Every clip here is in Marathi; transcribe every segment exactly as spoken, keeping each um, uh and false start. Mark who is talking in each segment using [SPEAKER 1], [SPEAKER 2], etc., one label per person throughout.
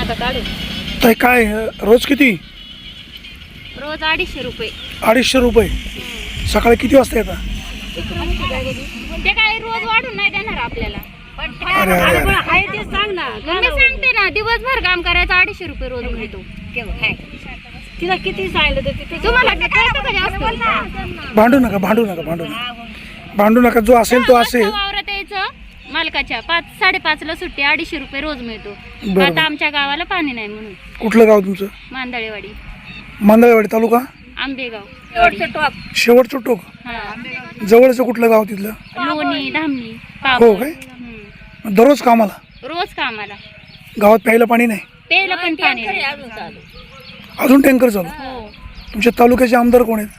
[SPEAKER 1] नका काढू.
[SPEAKER 2] ताई काय रोज किती?
[SPEAKER 1] रोज अडीचशे रुपये.
[SPEAKER 2] अडीचशे रुपये सकाळी किती वाजता येतात?
[SPEAKER 1] ते काय रोज वाढून नाही देणार आपल्याला.
[SPEAKER 2] अरे अरे अरे.
[SPEAKER 1] आहे ते सांग ना. मी सांगते ना, दिवसभर काम करायचं अडीचशे रुपये रोज मिळतो. तिला किती सांगितलं तुम्हाला कळतं का जास्त?
[SPEAKER 2] भांडू नका भांडू नका भांडू नका भांडू नका. जो असेल तो असेल.
[SPEAKER 1] वावरात यायचं मालकाच्या पाच साडेपाच ला सुट्टी, अडीचशे रुपये रोज मिळतो.
[SPEAKER 2] बरोबर.
[SPEAKER 1] आता आमच्या गावाला पाणी नाही म्हणून.
[SPEAKER 2] कुठलं गाव तुमचं?
[SPEAKER 1] मांदळेवाडी.
[SPEAKER 2] मांदळेवाडी तालुका
[SPEAKER 1] आंबेगाव.
[SPEAKER 2] शेवटचं टोक. जवळचं कुठलं गाव तिथलं?
[SPEAKER 1] लोणी धामणी.
[SPEAKER 2] हो काय? दररोज कामाला?
[SPEAKER 1] रोज कामाला.
[SPEAKER 2] गावात प्यायला पाणी नाही?
[SPEAKER 1] प्यायला पण पाणी नाही.
[SPEAKER 2] अजून टँकर चालू?
[SPEAKER 1] हो.
[SPEAKER 2] तुमच्या तालुक्याचे आमदार कोण आहेत?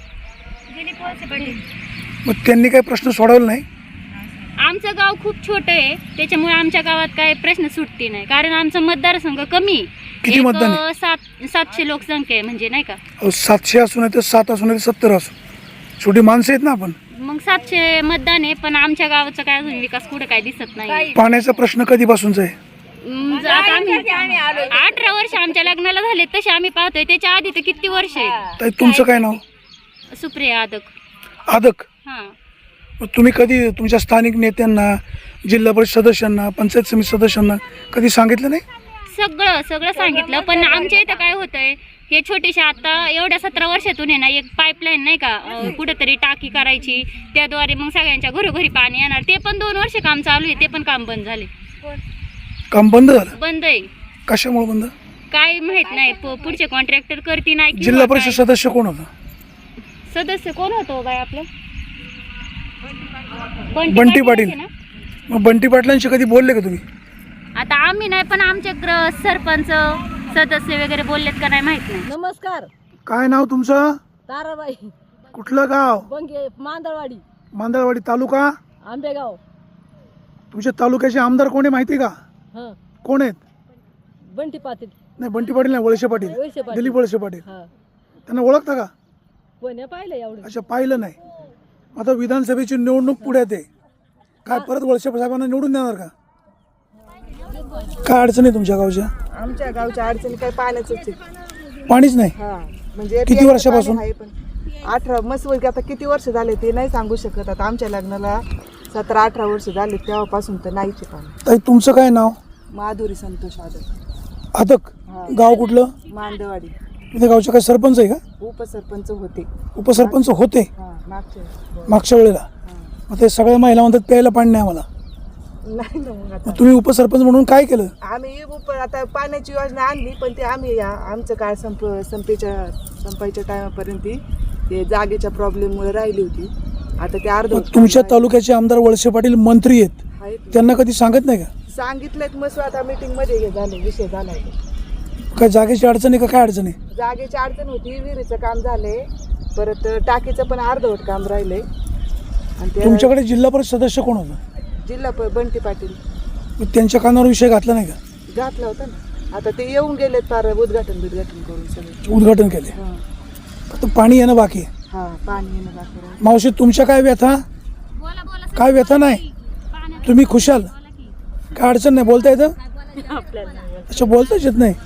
[SPEAKER 2] मग त्यांनी काही प्रश्न सोडवला नाही?
[SPEAKER 1] आमचं गाव खूप छोटं आहे, त्याच्यामुळे आमच्या गावात काय प्रश्न सुटते नाही. कारण आमचा मतदारसंघ कमी.
[SPEAKER 2] किती मतदान आहे?
[SPEAKER 1] सात सातशे लोकसंख्या आहे, म्हणजे नाही का.
[SPEAKER 2] अहो, सातशे असून आहे तर सात असून आहे तर सत्तर असू, छोटी माणसं आहेत ना आपण.
[SPEAKER 1] मग सातशे मतदान आहे, पण आमच्या गावाचा काय अजून विकास कुठे काय दिसत नाही.
[SPEAKER 2] पाण्याचा प्रश्न कधीपासूनचा आहे?
[SPEAKER 1] हम्म, आता आम्ही अठरा वर्ष आमच्या लग्नाला झाले तसे आम्ही पाहतोय. त्याच्या आधी तर किती वर्ष आहे.
[SPEAKER 2] ताई तुमचं काय नाव?
[SPEAKER 1] सुप्रिया आदक.
[SPEAKER 2] आदक.
[SPEAKER 1] हा.
[SPEAKER 2] मग तुम्ही कधी तुमच्या स्थानिक नेत्यांना, जिल्हा परिषद सदस्यांना, पंचायत समिती सदस्यांना कधी सांगितलं नाही?
[SPEAKER 1] सगळं सगळं सांगितलं, पण आमच्या इथं काय होतंय, हे छोटेसे आता एवढ्या सतरा वर्षातून आहे ना, एक पाईपलाईन नाही का, कुठेतरी टाकी करायची, त्याद्वारे मग सगळ्यांच्या घरोघरी पाणी येणार. ते पण दोन वर्ष काम चालू आहे, ते पण काम बंद झाले.
[SPEAKER 2] काम बंद झालं?
[SPEAKER 1] बंद आहे.
[SPEAKER 2] कशामुळे बंद?
[SPEAKER 1] काय माहित नाही. पुढचे कॉन्ट्रॅक्टर करती नाही.
[SPEAKER 2] जिल्हा परिषद सदस्य कोण होता?
[SPEAKER 1] सदस्य कोण होतो बाय आपलं?
[SPEAKER 2] बंटी पाटील. मग बंटी पाटलांशी कधी बोलले का तुम्ही?
[SPEAKER 1] आता आम्ही नाही, पण आमचे ग्र सरपंच सदस्य वगैरे बोललेत का नाही माहित नाही.
[SPEAKER 3] नमस्कार.
[SPEAKER 2] काय नाव तुमचं?
[SPEAKER 3] ताराबाई.
[SPEAKER 2] कुठलं गाव?
[SPEAKER 3] बंगे मांदळवाडी.
[SPEAKER 2] मांदळवाडी तालुका
[SPEAKER 3] आंबेगाव.
[SPEAKER 2] तुमच्या तालुक्याचे आमदार कोण आहे माहिती का?
[SPEAKER 3] हां.
[SPEAKER 2] कोण आहेत?
[SPEAKER 3] बंटी पाटील.
[SPEAKER 2] नाही, बंटी पाटील नाही, वळसे पाटील.
[SPEAKER 3] वळसे पाटील.
[SPEAKER 2] दिलीप वळसे पाटील.
[SPEAKER 3] हां.
[SPEAKER 2] त्यांना ओळखता का?
[SPEAKER 3] कोणी पाहिलं एवढं?
[SPEAKER 2] अच्छा, पाहिलं नाही. आता विधानसभेची निवडणूक पुढ्यात आहे, काय परत वळसे साहेबांना निवडून देणार का? काय अडचण आहे तुमच्या गावच्या?
[SPEAKER 4] आमच्या गावच्या अडचणी काही पाण्याचंच आहे.
[SPEAKER 2] पाणीच नाही?
[SPEAKER 4] हा, म्हणजे
[SPEAKER 2] किती वर्षापासून?
[SPEAKER 4] आहे पण अठरा मस्त वर्ग आता किती वर्ष झाले ते नाही सांगू शकत. आता आमच्या लग्नाला सतरा अठरा वर्ष झाले, तेव्हापासून तर नाहीच आहे पाणी.
[SPEAKER 2] ताई तुमचं काय नाव?
[SPEAKER 4] माधुरी संतोष आदक.
[SPEAKER 2] आदक. गाव कुठलं?
[SPEAKER 4] मांदवाडी.
[SPEAKER 2] तुझ्या गावच्या काय सरपंच आहे का?
[SPEAKER 4] उपसरपंच होते.
[SPEAKER 2] उपसरपंच होते
[SPEAKER 4] हा, मागच्या
[SPEAKER 2] मागच्या वेळेला. मग ते सगळ्या महिला म्हणतात प्यायला पाणी नाही आम्हाला.
[SPEAKER 4] नाही ना. मग आता
[SPEAKER 2] मग तुम्ही उपसरपंच म्हणून काय केलं?
[SPEAKER 4] आम्ही उप आता पाण्याची योजना आणली, पण ते आम्ही या- आमचं काय संप संपेच्या संपायच्या टायमापर्यंत ते जागेच्या प्रॉब्लेममुळे राहिली होती. आता ते अर्ध
[SPEAKER 2] मग तुमच्या तालुक्याचे आमदार वळसे पाटील मंत्री आहेत,
[SPEAKER 4] आहेत.
[SPEAKER 2] त्यांना कधी सांगत नाही का?
[SPEAKER 4] सांगितलं मग आता मीटिंग मध्ये हे झालं, विषय झाला.
[SPEAKER 2] काय जागेची अडचण आहे का? काय अडचण आहे?
[SPEAKER 4] जागेची अडचण होती, विहिरीचं काम झालंय, परत टाकीचं पण अर्धवट काम राहिलंय. आणि ते
[SPEAKER 2] तुमच्याकडे जिल्हा परिषद सदस्य कोण होता?
[SPEAKER 4] जिल्हा प- बंटी पाटील.
[SPEAKER 2] मग त्यांच्या कानावर विषय घातला नाही का?
[SPEAKER 4] घातला होता ना. आता ते येऊन गेलेत फार उद्घाटन बिद्घाटन करून सगळे.
[SPEAKER 2] उद्घाटन केले.
[SPEAKER 4] हा.
[SPEAKER 2] फक्त पाणी येणं बाकी आहे.
[SPEAKER 4] हा, पाणी येणं बाकी राहिलं.
[SPEAKER 2] मावशी तुमच्या काय व्यथा? काय व्यथा नाही? तुम्ही खुशाल? काय अडचण नाही? बोलता येतं? अच्छा, बोलताच येत नाही.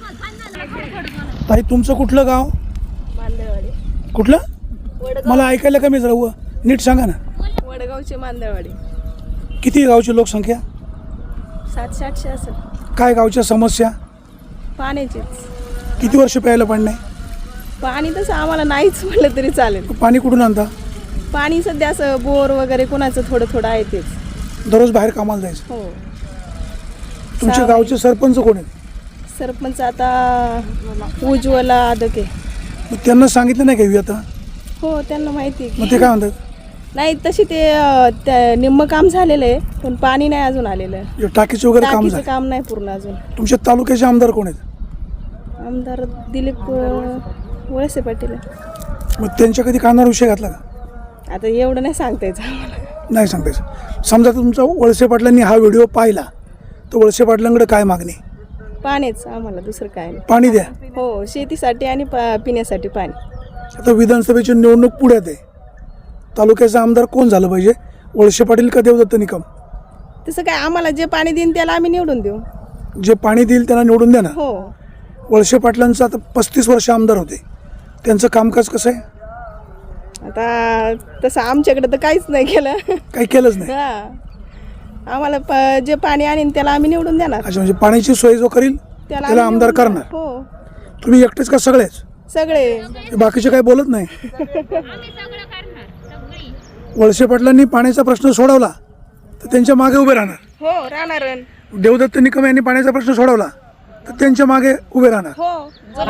[SPEAKER 2] ताई तुमचं कुठलं गाव?
[SPEAKER 3] मांदळवाडी.
[SPEAKER 2] कुठलं? मला ऐकायला कमी जरा व- नीट सांगा ना.
[SPEAKER 3] वडगावची मांदळवाडी.
[SPEAKER 2] किती गावची लोकसंख्या?
[SPEAKER 3] सातशे आठशे असेल.
[SPEAKER 2] काय गावच्या समस्या?
[SPEAKER 3] पाण्याचीच.
[SPEAKER 2] किती वर्ष प्यायला पाणी नाही?
[SPEAKER 3] पाणी तसं आम्हाला नाहीच म्हटलं तरी चालेल.
[SPEAKER 2] पाणी कुठून आणता?
[SPEAKER 3] पाणी सध्या असं बोर वगैरे कोणाचं थोडं थोडं आहे तेच.
[SPEAKER 2] दररोज बाहेर कामाला जायचं?
[SPEAKER 3] हो.
[SPEAKER 2] तुमच्या
[SPEAKER 3] सहा
[SPEAKER 2] गावचे सरपंच कोण आहेत?
[SPEAKER 3] सरपंच आता उज्ज्वला आदक आहे.
[SPEAKER 2] मग त्यांना सांगितलं नाही का व्यथा?
[SPEAKER 3] हो, त्यांना माहिती आहे
[SPEAKER 2] मग
[SPEAKER 3] की.
[SPEAKER 2] ते काय म्हणतात?
[SPEAKER 3] नाही तशी ते अं, त्या- निम्म काम झालेलं आहे, पण पाणी नाही अजून आलेलं.
[SPEAKER 2] हे टाकीचं वगैरे काम
[SPEAKER 3] टाकीचं
[SPEAKER 2] झालं?
[SPEAKER 3] काम नाही पूर्ण अजून.
[SPEAKER 2] तुमच्या तालुक्याचे आमदार कोण आहेत?
[SPEAKER 3] आमदार दिलीप अं, वळसे पाटील आहे.
[SPEAKER 2] मग त्यांच्या कधी कानावर विषय घातला का?
[SPEAKER 3] आता एवढं नाही सांगता यायचं आम्हाला.
[SPEAKER 2] नाही सांगतायचं. समजा तुमचा वळसे पाटलांनी हा व्हिडिओ पाहिला तर वळसे पाटलांकडे काय मागणी?
[SPEAKER 3] पाणीच आम्हाला, दुसरं काय नाही.
[SPEAKER 2] पाणी द्या.
[SPEAKER 3] हो, शेतीसाठी आणि पा- पिण्यासाठी पाणी.
[SPEAKER 2] आता विधानसभेची निवडणूक पुढ्यात आहे, तालुक्याचा आमदार कोण झालं पाहिजे? वळसे पाटील का देवदत्त निकम?
[SPEAKER 3] तसं काय, आम्हाला जे पाणी देईन त्याला आम्ही निवडून देऊ.
[SPEAKER 2] जे पाणी देईल त्यांना निवडून द्या ना.
[SPEAKER 3] हो.
[SPEAKER 2] वळसे पाटलांचं आता पस्तीस वर्ष आमदार होते, त्यांचं कामकाज कसं आहे?
[SPEAKER 3] आता तसं आमच्याकडे तर काहीच नाही केलं.
[SPEAKER 2] काही केलंच नाही.
[SPEAKER 3] हा, आम्हाला प- जे पाणी आणीन त्याला आम्ही निवडून देणार.
[SPEAKER 2] अच्छा, म्हणजे पाण्याची सोय जो करील त्याला
[SPEAKER 3] आम्ही
[SPEAKER 2] आमदार
[SPEAKER 3] निवडून
[SPEAKER 2] करणार.
[SPEAKER 3] देणार. हो,
[SPEAKER 2] तुम्ही एकटेच का सगळेच?
[SPEAKER 3] सगळे.
[SPEAKER 2] बाकीचे काही बोलत नाही.
[SPEAKER 1] आम्ही सगळं करणार सगळी.
[SPEAKER 2] वळसे पाटलांनी पाण्याचा प्रश्न सोडवला तर त्यांच्या मागे उभे राहणार.
[SPEAKER 3] हो, राहणार.
[SPEAKER 2] देवदत्त निकम यांनी पाण्याचा प्रश्न सोडवला तर त्यांच्या मागे उभे राहणार.
[SPEAKER 3] हो.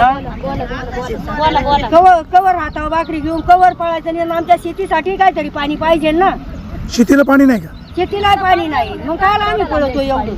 [SPEAKER 1] बोला बोला.
[SPEAKER 5] कवर कवर हातावर भाकरी घेऊन कवर पळायचं आणि आमच्या शेतीसाठी काहीतरी पाणी पाहिजे ना.
[SPEAKER 2] शेतीला पाणी नाही का?
[SPEAKER 5] शेतीला पाणी नाही, मग काय आम्ही पळतो एवढं.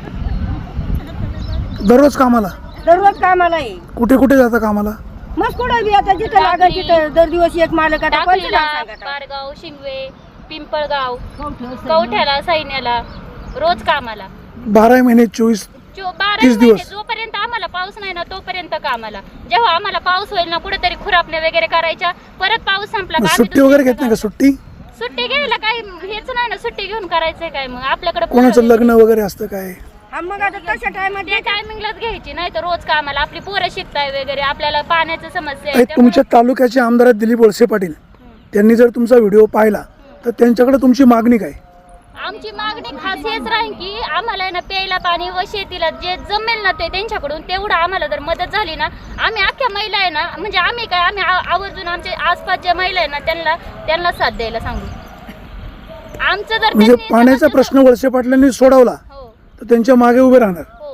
[SPEAKER 2] दररोज कामाला
[SPEAKER 5] दररोज कामाला आहे.
[SPEAKER 2] कुठे कुठे जाता कामाला?
[SPEAKER 5] मग कुठं बी आता जिथं लागेल तिथं दर दिवस एक मालक आता कोणतं
[SPEAKER 1] टाकळीला,
[SPEAKER 5] नाव सांगता?
[SPEAKER 1] पारगाव, शिंगवे, पिंपळगाव, कवठ्याला, सैन्याला रोज कामाला.
[SPEAKER 2] बारा महिने चोवीस
[SPEAKER 1] जो- बारा
[SPEAKER 2] तीस
[SPEAKER 1] महिने
[SPEAKER 2] दिवस.
[SPEAKER 1] जोपर्यंत आम्हाला पाऊस नाही ना तोपर्यंत कामाला. जेव्हा आम्हाला पाऊस होईल ना कुठेतरी खुरापणे वगैरे करायच्या, परत पाऊस संपला
[SPEAKER 2] मग
[SPEAKER 1] का आम्ही
[SPEAKER 2] सुट्टी वगैरे
[SPEAKER 1] दुसरीकडे
[SPEAKER 2] घेत नाही का? सुट्टी
[SPEAKER 1] सुट्टी घ्यायला काही हेच नाही ना. सुट्टी घेऊन करायचंय काय मग आपल्याकडे?
[SPEAKER 2] कोणाचं लग्न वगैरे असतं काय?
[SPEAKER 5] हा, मग आता तशा टायमात
[SPEAKER 1] त्या टायमिंगलाच घ्यायची, नाही तर रोज कामाला. आपली पोरं शिकताय वगैरे, आपल्याला पाण्याची समस्या
[SPEAKER 2] ताई,
[SPEAKER 1] आहे
[SPEAKER 2] तुमच्या तालुक्याचे आमदार आहेत दिलीप वळसे पाटील, त्यांनी जर तुमचा व्हिडिओ पाहिला तर त्यांच्याकडे तुमची मागणी काय?
[SPEAKER 1] आमची मागणी खास हेच राहील की आम्हाला आहे ना प्यायला पाणी व शेतीला जे जमेल ना ते त्यांच्याकडून तेवढं आम्हाला जर मदत झाली ना, आम्ही अख्ख्या महिला आहे ना, म्हणजे आम्ही काय आम्ही आ- आवर्जून आमचे आसपास ज्या महिला आहे ना त्यांना त्यांना साथ द्यायला सांगू. आमचं जर
[SPEAKER 2] म्हणजे
[SPEAKER 1] त्यांनी
[SPEAKER 2] पाण्याचा
[SPEAKER 1] जर-
[SPEAKER 2] प्रश्न वळसे पाटलांनी सोडवला
[SPEAKER 1] हो
[SPEAKER 2] तर त्यांच्या मागे उभे राहणार.
[SPEAKER 1] हो.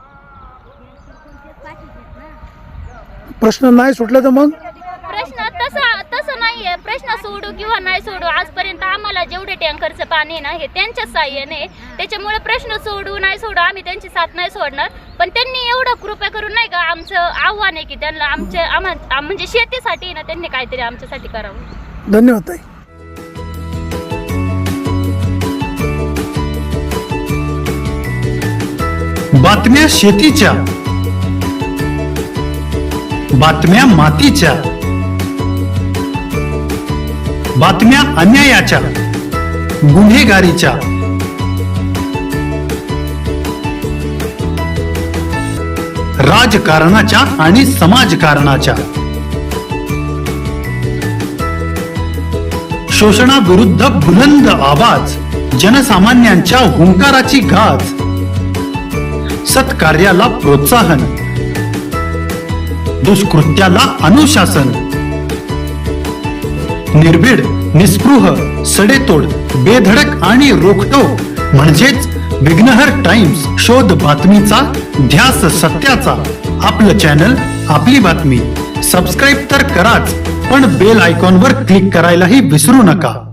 [SPEAKER 2] प्रश्न नाही सुटला तर मग
[SPEAKER 1] प्रश्न तसा तसं नाहीये. प्रश्न सोडू किंवा नाही सोडू, आजपर्यंत आम्हाला जेवढे टँकरचं पाणी आहे ना हे त्यांच्याच साह्याने, त्याच्यामुळे प्रश्न सोडू नाही सोडू आम्ही त्यांची साथ नाही सोडणार. पण त्यांनी एवढं कृपा करून नाही का, आमचं आव्हान आहे की त्यांना आमच्या आम्हा आम- म्हणजे शेतीसाठी ना त्यांनी काहीतरी आमच्यासाठी करावं.
[SPEAKER 2] धन्यवाद ताई.
[SPEAKER 6] बातम्या शेतीच्या, बातम्या मातीच्या, बातम्या अन्यायाच्या, गुन्हेगारीच्या, राजकारणाच्या आणि समाजकारणाच्या, शोषणाविरुद्ध बुलंद आवाज, जनसामान्यांच्या हुंकाराची गाज, सत्कार्याला प्रोत्साहन, दुष्कृत्याला अनुशासन, निर्भीड, निस्पृह, सडेतोड, बेधडक आणि रोखटोक म्हणजेच विघ्नहर टाइम्स. शोध बातमीचा, ध्यास सत्याचा. आपलं चॅनल, आपली बातमी. सबस्क्राईब तर कराच, पण बेल आयकॉनवर क्लिक करायलाही विसरू नका.